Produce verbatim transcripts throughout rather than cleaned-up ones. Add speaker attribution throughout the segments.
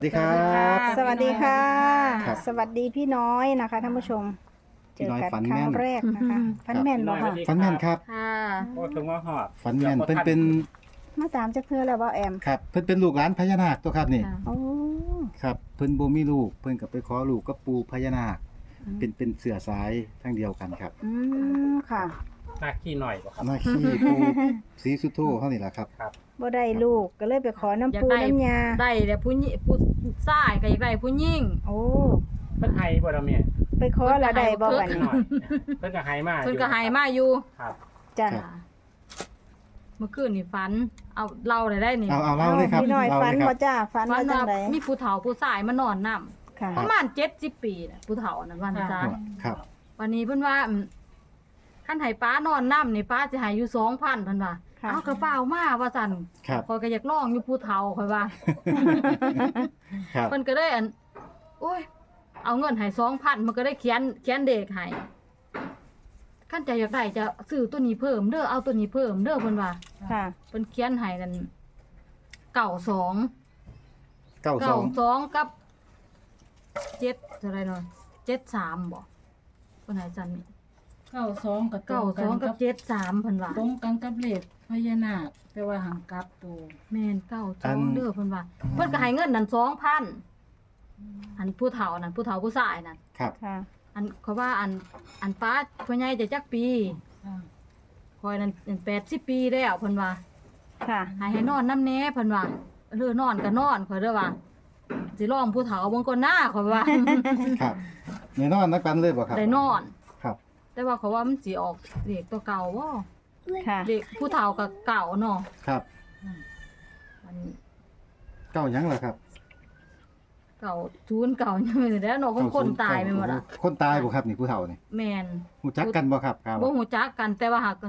Speaker 1: สวัสดีครับ
Speaker 2: สวัสดีค่ะ
Speaker 1: ครับ
Speaker 2: สวัสดีพี่น้อยนะคะท่านผู้ชม เจ
Speaker 1: พี่
Speaker 2: อ
Speaker 1: น้อย
Speaker 2: กัน
Speaker 1: ฝัน
Speaker 2: ครั้
Speaker 1: แม่
Speaker 2: ง
Speaker 1: น
Speaker 2: แรกนะคะฟันแม่นบ่ค่ะ
Speaker 1: ฝันแม่นครับ
Speaker 3: ค่ะ
Speaker 4: โอ้ถึงว่าหอด
Speaker 1: ฝันแม่นเพิ่นเป็น
Speaker 2: มาตามจากเธอแล้วบ่แอม
Speaker 1: ครับเพิ่นเป็นลูกหลานพญานาคตัวครับนี่
Speaker 3: ค่ะ
Speaker 2: โอ้
Speaker 1: ครับเพิ่นบ่มีลูกเพิ่นก็ไปขอลูกกับปู่พญานาคเป็นเป็นเสือสายทั้งเดียวกันครับ
Speaker 2: อืมค่ะ
Speaker 4: หน้าขี้หน่อยบ่ครับ
Speaker 1: หน้าขี้ปู่ศรีสุโธเฮานี่ล่ะครับ
Speaker 4: ครับ
Speaker 2: บ่ได้ลูกก็เลยไปขอน้ำปูน้ำยา
Speaker 3: ได้แต่ผู้หญิงผู้ชายก็อยากได้ผู้หญิง
Speaker 2: โอ้
Speaker 4: เพิ่นไห้บ่ล่ะแม่
Speaker 2: ไปขอแล้วได้บ่บัด
Speaker 4: ขี้
Speaker 2: นี้
Speaker 4: หน่อยเพิ่นก็ไห้มา
Speaker 3: เพิ่นก็ให้มาอยู่
Speaker 4: ครับ
Speaker 2: จ้ะ
Speaker 1: ครับ
Speaker 3: เมื่อคืนนี่ฝัน เอาเล่าได้ได้นี่
Speaker 1: เอาเอาเล่าเลยครับ
Speaker 2: พี่น้อย
Speaker 1: เล่า
Speaker 2: ฝัน
Speaker 1: เลยค
Speaker 2: บ่
Speaker 1: รับ
Speaker 2: จ้าฝัน
Speaker 3: ฝั
Speaker 2: ว่าน จั
Speaker 3: ว่าง
Speaker 2: ได
Speaker 3: มีผู้เฒ่าผู้ชายมานอนนํ
Speaker 2: ค่ะ
Speaker 3: ประมาณเจ็ดสิบปีน่ะผู้เฒ่านั้นวันซะ
Speaker 1: ครับ
Speaker 3: วันนี้เพิ่นว่าอืมคันให้ป้านอนนํนี่ป้าสิให้อยู่ สองพัน เพิ่นว่า
Speaker 2: ค่ะ
Speaker 3: เอากระเป๋ามาว่าซั่น
Speaker 1: ครับ
Speaker 3: ข้อยก็อยากลองอยู่ผู้เฒ่าข้อยว่า
Speaker 1: ครับ
Speaker 3: เพิ่นก็ได้อันโอ้ย เอาเงินให้สองพันมันก็ได้เขียนเขียนเด็กให้ขั้นใจอยากได้จะซื้อตัวนี้เพิ่มเด้อเอาตัวนี้เพิ่มเด้อเพิ่นว่า
Speaker 2: ค่ะ
Speaker 3: เพิ่นเขียนให้นั่นเก้าสอง
Speaker 1: เก้าส
Speaker 3: เก้า
Speaker 1: อง
Speaker 3: สองกับเจ็ดเท่าไหร่เนาะเจ็ดสามบ่เพิ่นให้จันนี่
Speaker 5: เก้าสองกับตร
Speaker 3: เก้าง
Speaker 5: กั
Speaker 3: สอง
Speaker 5: น
Speaker 3: กั
Speaker 5: กั
Speaker 3: บบ เจ็ดสามเพิ่นว่า
Speaker 5: ตรงกันกับเลขพญานาคแต่ว่าหังกลับตัว
Speaker 3: แม่นเก้าสองเด้อเพิ่นว่าเพิ่นก็ให้เงินนั่นสองพันอันผู้เฒ่านั่นผู้เฒ่าผู้ชายนั่น
Speaker 1: ครับ
Speaker 2: ค่ะ
Speaker 3: อันเขาว่าอันอันป้าพ่อใหญ่จะจักปี
Speaker 5: อ่า
Speaker 3: คอยนั่นแปดสิบปีแล้วเพิ่นว่า
Speaker 2: ค่ะ
Speaker 3: ให้ให้นอนน้ำแหน่เพิ่นว่าเออนอนก็นอนข่อยเด้อว่าสิลองผู้เฒ่าเบิ่งก่อนหน้าข่อยว่า
Speaker 1: ครับแน่นอนนักกันเลยบ่ครับ
Speaker 3: ได้นอน
Speaker 1: ครับ
Speaker 3: แต่ว่าเขาว่ามันสิออกเลขตัวเก่าบ่
Speaker 2: ค่ะ
Speaker 3: เลขผู้เฒ่าก็เก่าเนาะ
Speaker 1: ครับ
Speaker 3: อัน
Speaker 1: เก้าหยังล่ะครับ
Speaker 3: เก่าศูนย์เก่ายังไม่ได้เนาะคนคนตายไปหมดอ่ะ
Speaker 1: คนตายบ่ครับนี่ผู้เฒ่านี่
Speaker 3: แม่น
Speaker 1: ฮู้จักกันบ่ครับครับ
Speaker 3: บ่ฮู้จักกันแต่ว่าหากกัน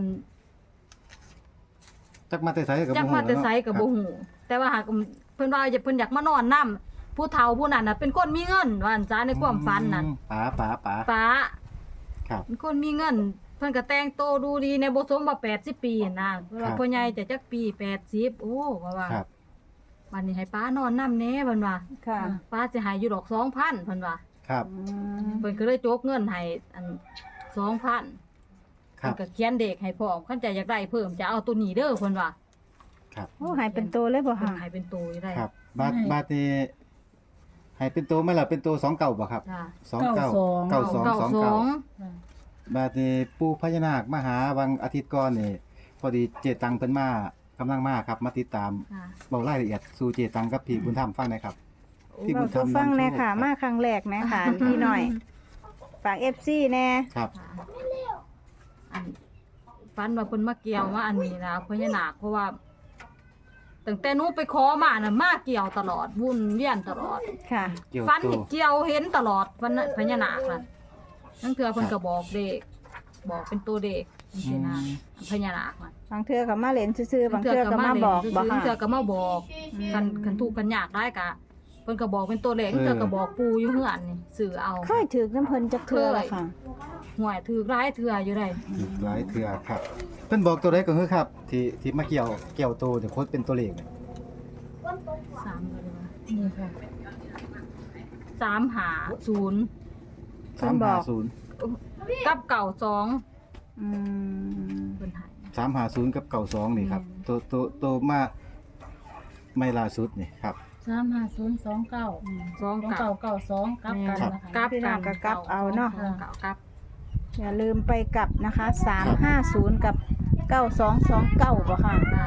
Speaker 1: จักมาแต่ไสก็บ่ฮู้
Speaker 3: จักมาแต่ไสก็บ่
Speaker 1: ครับ
Speaker 3: ฮู้แต่ว่าหากเพิ่นว่าเพิ่นอยากมานอนนํผู้เฒ่าผู้นั้นน่ะเป็นคนมีเงินว่าอันจ้าในความฝันนั่น
Speaker 1: อืมป๋าป๋าป๋า
Speaker 3: ป้า
Speaker 1: ครับ
Speaker 3: เป็นคนมีเงิน เพิ่นก็แต่งโตวดูดีในบ่สมว่าแปดสิบปีนั่นนะเพิ่นว่าพ่อใหญ่จะจักปีแปดสิบโอ้ว่าว่า
Speaker 1: ครับ
Speaker 3: วันนี้ให้ป้านอนนำแหน่เพิ่นว่า
Speaker 2: ค่ะ
Speaker 3: ป้าสิให้อยู่ดอกสองพันเพิ่นว่า
Speaker 1: ครับ
Speaker 2: อืม
Speaker 3: เพิ่นก็เลยโจกเงินให้อันสองพัน
Speaker 1: ครั
Speaker 3: เพิ่
Speaker 1: บ
Speaker 3: นก็เขียนเด็กให้พร้อมคันใจอยากได้เพิ่มจะเอาตัวนี้เด้อเพิ่นว่า
Speaker 1: ครับ
Speaker 2: โอ้หายเป็นตัวเลยบ่
Speaker 3: เพิ่น
Speaker 2: ค่ะ
Speaker 3: ให้เป็นตัวอยู่ได้
Speaker 1: ครับบาทบาทนี่ให้เป็นตัวไหม่ล่ะเป็นตัวสองเก่าบ่ครับ
Speaker 3: จ้า
Speaker 1: สองเก่าเก้าสองสองเก่า
Speaker 5: อ่า
Speaker 1: บาทนี่ปู่พญานาคมาหาวันอาทิตย์ก่อนนี่พอดีเจตังเพิ่นมากำลังมาครับ มาติดตาม
Speaker 3: ค่ะ
Speaker 1: เบารายละเอียดสู่เจตังกับพี่บุญธรรมฟังหนะครับ พี่บุ
Speaker 2: เรา
Speaker 1: ญธรร
Speaker 2: สู่
Speaker 1: ม
Speaker 2: ฟังแน่
Speaker 1: นำโช
Speaker 2: ค่ะ มาครั้งแรกแน่ค่ะ พี่หน่อย ฝาก เอฟ ซี แน่
Speaker 1: ครับ
Speaker 3: ค่ะอันฝันว่าเพิ่นมาเกี่ยวมาอันนี้นะพญานาคเพราะว่าตั้งแต่หนูไปขอมาน่ะมาเกี่ยวตลอดวุ่นเวียนตลอด
Speaker 2: ค่ะ
Speaker 1: เกี่ยว
Speaker 3: ฟัน
Speaker 1: ตัว
Speaker 3: เกี่ยวเห็นตลอดฟันน่ะพญานาคน่ะนั่นคือเพิ่นก็บอกเด็ก บอกเป็นตัวเด็กจังซี่นะพญานาคน่ะ
Speaker 2: บางเทื่อก็มาเล่นซื่อๆบางเทื่อก็มาบอกบ่
Speaker 3: บาง
Speaker 2: ค่ะ
Speaker 3: เทื่อก็มาบอกกันคันทุกข์กันยากได้กะเพิ่นก็บอกเป็นตัวเลขเทื่อก็บอกปู่อยู่เฮือนนี่สื่อเอา
Speaker 2: เคยถือน้ำเพิ่นจักเทื่อละค่ะ
Speaker 3: หวยถือร้ายเทื่ออยู่ได้
Speaker 1: อีกหลายเทื่อครับเพิ่นบอกตัวใดก็คือครับ ที่ที่มาเกี่ยวเกี่ยวตัวเดี๋ยวโคตรเป็นตัวเลขเนี่ย
Speaker 3: สามเลยว่า
Speaker 5: นี่ค่ะ
Speaker 3: สามหาศูนย์
Speaker 2: เพิ่นบอก
Speaker 1: สามห้าศูนย์
Speaker 3: กับเก่าสอง
Speaker 2: อืม
Speaker 3: เพิ่นให้
Speaker 1: สามห้าศูนย์กับเก้าสองนี่ครับ
Speaker 3: อืม
Speaker 1: ตัวตัวตัวมาไม่ล่าสุดนี่ครับ
Speaker 5: สามห้าศูนย์สองเก้า
Speaker 3: สอง
Speaker 5: สอง
Speaker 3: เก่า
Speaker 5: เก้าเก้าสองกลับกันนะคะ
Speaker 3: กับ
Speaker 2: พี่น้องก็กลับเอาเนาะ
Speaker 3: เก่ากับ
Speaker 2: อย่าลืมไปกลับนะคะสามห้าศูนย์กับเก้าสองสองเก้าบ่ค่ะ
Speaker 3: ค่ะ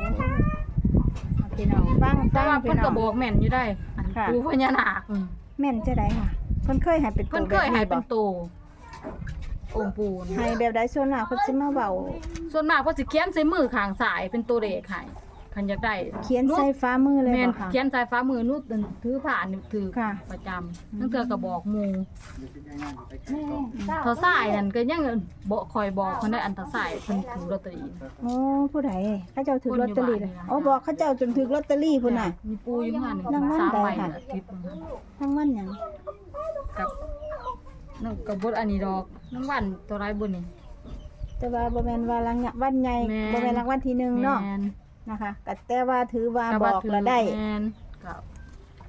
Speaker 2: พี่น้องฟัง
Speaker 3: แต่
Speaker 2: ฟัง
Speaker 3: ว่า
Speaker 2: พี่
Speaker 3: เพิ่น
Speaker 2: น้
Speaker 3: ก็
Speaker 2: อง
Speaker 3: บอกแม่นอยู่ได้อัน
Speaker 2: ค่ะ
Speaker 3: ปู่พญานาคอืม
Speaker 2: แม่นจะได้ค่ะเพิ่นเคยให้เป็นตัว
Speaker 3: เพิ่นเคยให้เป็นโตองค์ปู่นี่
Speaker 2: ให้แบบใดส่วนมากเพิ่นสิมาเว้า
Speaker 3: ส่วนมากเพิ่นสิเขียนใส่มือข้างซ้ายเป็นตัวเลขให้คันอยากได้
Speaker 2: เขียนใส่ฟ้ามือเลย
Speaker 3: แม่น
Speaker 2: บ่ค่ะ
Speaker 3: เขียนใส่ฟ้ามือนุดถือผ่านถือ
Speaker 2: ค่ะ
Speaker 3: ประจำนั่นเทื่อก็บอกหมู่เท่าซ้ายนั่นก็ยังบ่คอยบอกเพิ่นได้อันเท่าซ้ายเพิ่นถือลอตเตอรี่
Speaker 2: โอ้ผู้ใดเขาเจ้าถือลอตเตอรี่เลย
Speaker 3: คนอยู่บ้านนี่นะ
Speaker 2: อ๋อบอกเขาเจ้าจนถือลอตเตอรี่พุ่นน่ะ
Speaker 3: มีปูอยู่หั่น
Speaker 2: รางวัล
Speaker 3: สาม
Speaker 2: ใด
Speaker 3: ใบ
Speaker 2: ค่ะ
Speaker 3: อาทิตย์นึง
Speaker 2: ทั้งวันหยัง
Speaker 3: กับนั่นก็บ่อันนี้ดอกรางวัลตัวไรบ่นี่
Speaker 2: แต่ว่าบ่แม่นว่ารังวันใหญ่
Speaker 3: แม่น
Speaker 2: บ่แม่นรางวัลที่หนึ่งเนาะ
Speaker 3: แม่น
Speaker 2: นะคะก็แต่ว่าถือว่า
Speaker 3: ก็
Speaker 2: บ
Speaker 3: ว่า
Speaker 2: อก
Speaker 3: ถือ
Speaker 2: แล้วได้
Speaker 3: แม่นก็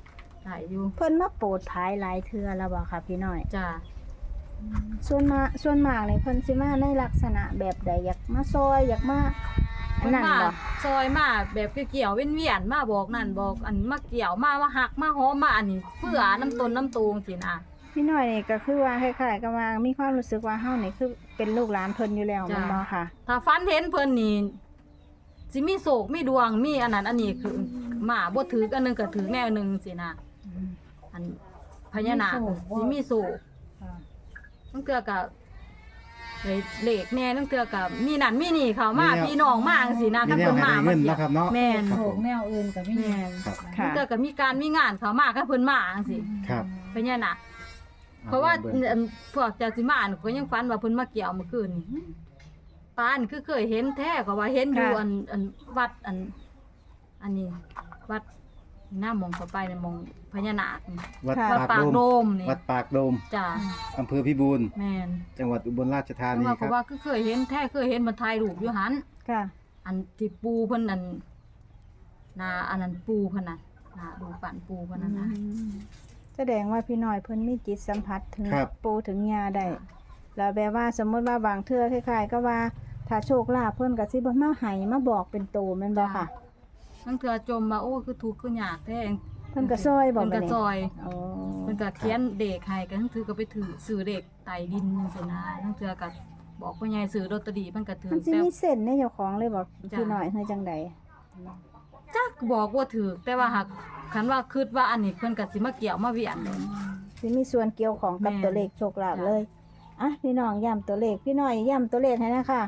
Speaker 3: ได้อยู่
Speaker 2: เพิ่นมาโปรดภายหลายเทื่อแล้วบ่ค่ะพี่น้อย
Speaker 3: จ้า
Speaker 2: ส่วนมากส่วนมากนี่เพิ่นสิมาในลักษณะแบบใดอยากมาซอยอยากมาอัน
Speaker 3: เพิ่น
Speaker 2: นั้น
Speaker 3: มา
Speaker 2: บ่
Speaker 3: ซอยมาแบบเกี่ยวๆเวียนๆมาบอกนั่นบอกอันมาเกี่ยวมาว่าหักมาหอมมาอันนี้เพื่อน้ำต้นน้ำตูงสินะ
Speaker 2: พี่น้อยนี่ก็คือว่าคล้ายๆกับว่ามีความรู้สึกว่าเฮานี่คือเป็นลูกหลานเพิ่นอยู่แล้วแม่นบ่ค่ะ
Speaker 3: ถ้าฟันเห็นเพิ่นนี่สิมีโศกมีดวงมีอันนั้นอันนี้คือมาบ่ถืออันหนึงก็ถือแนวหนึงสินะอันพญานาคสิมีโศก
Speaker 5: ค่ะ
Speaker 3: ตั้งเทื่อก็เลยเลขแน่ตั้งเทื่อก็มีนั่นมีนี่เข้ามาพี่น้องมาจังซี่นะ
Speaker 1: มี
Speaker 3: คัน
Speaker 1: แน
Speaker 3: เพิ่
Speaker 1: วน ให้
Speaker 3: มา
Speaker 1: ได้เงินเนาะครับเนาะ
Speaker 3: แม่น
Speaker 1: ครับ
Speaker 5: โข
Speaker 1: ผ
Speaker 5: ก
Speaker 1: ม
Speaker 5: แนวอื่นก็มี
Speaker 3: แม่น
Speaker 1: ครับ
Speaker 2: ค่ะ
Speaker 3: ตั้งเทื่อก็มีการมีงานเข้ามาคันเพิ่นมาจังซี่
Speaker 1: ครับ
Speaker 3: พญานาคเพราะว่า
Speaker 1: บิ่ง
Speaker 3: อันพวกเจ้าสิมาอันก็ยังฝันว่าเพิ่นมาเกี่ยวเมื่อคืนนี่ปานคือเคยเห็นแท้ก็ว่าเห็นอยู่
Speaker 2: ค่ะ
Speaker 3: อันอันวัดอัน อันนี้วัดหน้ามองเข้าไปในมองพญานาคนี่
Speaker 1: วัด
Speaker 2: ค่ะ
Speaker 3: วัด
Speaker 1: ปา
Speaker 3: ปาก ก
Speaker 1: โด
Speaker 3: โด
Speaker 1: ม
Speaker 3: มนี่
Speaker 1: วัดปากโดม
Speaker 3: จ้า
Speaker 1: อำเภอพิบูล
Speaker 3: แม่น
Speaker 1: จังหวัดอุบลราชธา
Speaker 3: แต่
Speaker 1: นี
Speaker 3: ว่า
Speaker 1: ค
Speaker 3: ก็
Speaker 1: รับ
Speaker 3: ว่าคือเคยเห็นแท้เคยเห็นมันถ่ายรูปอยู่หัน
Speaker 2: ค่ะ
Speaker 3: อันที่ปูเพิ่นอันนาอันนั้นปูเพิ่นน่ะนาดูปั่นปูเพิ่นน่ะนะ
Speaker 2: แสดงว่าพี่น้อยเพิ่นมีจิตสัมผัสถึง
Speaker 1: ครับ
Speaker 2: ปูถึงยาได้แล้วแบบว่าสมมุติว่าบางเทื่อคล้ายๆก็ว่าถ้าโชคลาภเพิ่นก็สิบ่มาให้มาบอกเป็นโตแม่นบ่ค่ะ
Speaker 3: ทั้งเทื่อจมมาโอ้คือทุกข์คือยากแท้
Speaker 2: เพิ่นก็ซอยบ่
Speaker 3: เพิ่น
Speaker 2: บั
Speaker 3: ก็
Speaker 2: ดนี้
Speaker 3: ซอย
Speaker 2: อ๋อ
Speaker 3: เพิ่นก็เขียนเด็กให้ก็ทั้งถือก็ไปถือซื้อเด็กไต่ดินจังซี่นะทั้งเทื่อก็บอกพ่อใหญ่ซื้อลอตเตอรี่เพิ่นก็ถือ
Speaker 2: มันสิ
Speaker 3: แต่
Speaker 2: มีเส้นในเจ้าของเลยบ่
Speaker 3: จ้ะ
Speaker 2: พี่น้อยเฮ้ยจังใด
Speaker 3: จักบอกว่าถือแต่ว่าหากคันว่าคิดว่าอันนี้เพิ่นก็สิมาเกี่ยวมาเวียนเลย
Speaker 2: สิมีส่วนเกี่ยวของกับ
Speaker 3: แม่น
Speaker 2: ตัวเลขโชคลาภ
Speaker 3: จ้ะ
Speaker 2: เลยอ่ะพี่น้องย้ำตัวเลขพี่น้อยย้ำตัวเลขให้นะคะ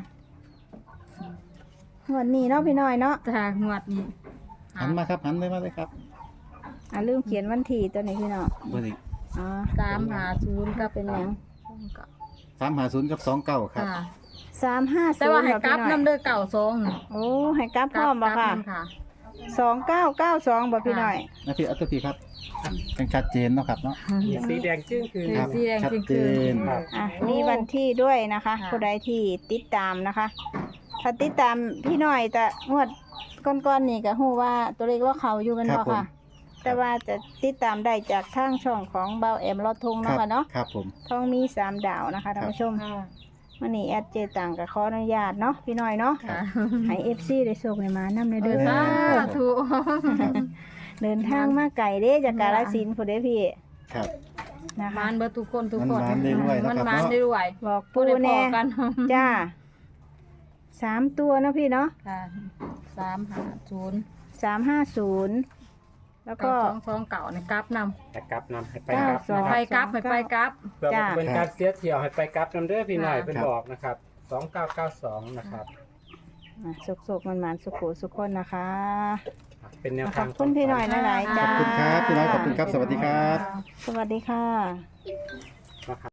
Speaker 2: งวดนี้เนาะพี่น้อยเนาะ
Speaker 3: แต่งวดนี้
Speaker 1: หันมาครับหันเลยมาเลยครับ
Speaker 2: อ่ะลืมเขียนวันที่ตัวนี้พี่น้อง
Speaker 1: เบอร์นี้
Speaker 2: อ๋อ
Speaker 3: สามห้าศูนย์ก็
Speaker 2: เป็นหยัง
Speaker 1: สามหาศูนย์กับสองเก้าครับ
Speaker 3: ค่ะ
Speaker 2: สามห้า
Speaker 3: แต่
Speaker 2: ศูน
Speaker 3: ว่า
Speaker 2: ย์
Speaker 3: ให้
Speaker 2: ค่ะ
Speaker 3: กลั
Speaker 2: พี่
Speaker 3: บ
Speaker 2: น้อย
Speaker 3: นำเด้อเก่าสอง
Speaker 2: โอ้ให้กลับพร้อมบ่ค่ะ
Speaker 3: กลันำค่ะ
Speaker 2: สองเก้าเก้าสองบ่พี่น้อย
Speaker 1: นะพี่อัตพี่ครับยังชัดเจนเนาะครับเนาะ
Speaker 4: สีแดงจึ้งคือ
Speaker 1: ครับ
Speaker 3: สีแดง
Speaker 1: ชัด
Speaker 3: จริง
Speaker 1: เจ
Speaker 3: คือน
Speaker 4: ครับ
Speaker 2: อ่ะมีวันที่ด้วยนะคะ
Speaker 3: ค่ะ
Speaker 2: ผู้ใดที่ติดตามนะคะ ถ้าติดตามพี่น้อยแต่งวดก้อนๆนี่ก็ฮู้ว่าตัวเลขว่าเขาอยู่กัน
Speaker 1: ครั
Speaker 2: บ่
Speaker 1: บผม
Speaker 2: ค่ะ แต่ว่าจะติดตามได้จากทางช่องของเบาแอมลอดทง
Speaker 1: ค
Speaker 2: เนาะ
Speaker 1: รับ
Speaker 2: ค่ะเนาะ
Speaker 1: ครับผม
Speaker 2: ทองมีสามดาวนะคะท่านผู้ชม
Speaker 5: ค่ะ
Speaker 2: วันนี้แอดเจต่างกับขออนุญาตเนาะพี่น้อยเนาะ
Speaker 3: ค่ะ
Speaker 2: ให้ เอฟ ซี ได้โชคได้มานำในเด้อ
Speaker 3: สา
Speaker 2: ค่ะ
Speaker 3: ธุ
Speaker 2: เดินทางมาไกลเด้จากกาฬสินธุ์พุ่นเด้พี่
Speaker 1: ครับ
Speaker 2: นะคะ
Speaker 3: มานเบิดทุกคนทุกคน
Speaker 1: มันมานเรื่อยๆ
Speaker 3: มัน
Speaker 1: นะครับ
Speaker 3: มาน
Speaker 1: เนาะ
Speaker 3: เรื่อย
Speaker 2: บอก
Speaker 3: ๆ
Speaker 2: ปู
Speaker 3: ได้พ
Speaker 2: แน่
Speaker 3: อกัน
Speaker 2: จ้าสามตัวเนาะพี่เนาะ
Speaker 3: ค่ะสามห้าศูนย์
Speaker 2: สามห้าศูนย์แล้วก็
Speaker 3: เก้าสองสองเก่าในกราฟนำ
Speaker 4: แต่กลับนำให้ไป
Speaker 2: เก้าก
Speaker 4: ลับ
Speaker 2: สอง
Speaker 4: นะ
Speaker 3: ไป
Speaker 4: ครับ
Speaker 3: กราฟไปไปกราฟ
Speaker 4: เพื่อ
Speaker 2: จ้ะ
Speaker 4: เป็นการเสียเที่ยวให้ไปกลับนำเด้อพี่หน่อย
Speaker 3: ค่ะ
Speaker 4: เป็นบอกนะครับสองเก้าเก้าสองนะครับ
Speaker 2: อ่ะสุกๆมันๆสุขุสุขคนนะคะ
Speaker 4: เป็นแนว
Speaker 2: ข
Speaker 4: ทา
Speaker 2: อง บคุณพี่หน่อยหลายๆ
Speaker 1: ข
Speaker 2: จ้า
Speaker 1: อบคุณครับพี่น้อยขอบคุณครับสวัสดีครับ
Speaker 2: สวัสดีค่ะ
Speaker 4: นะครับ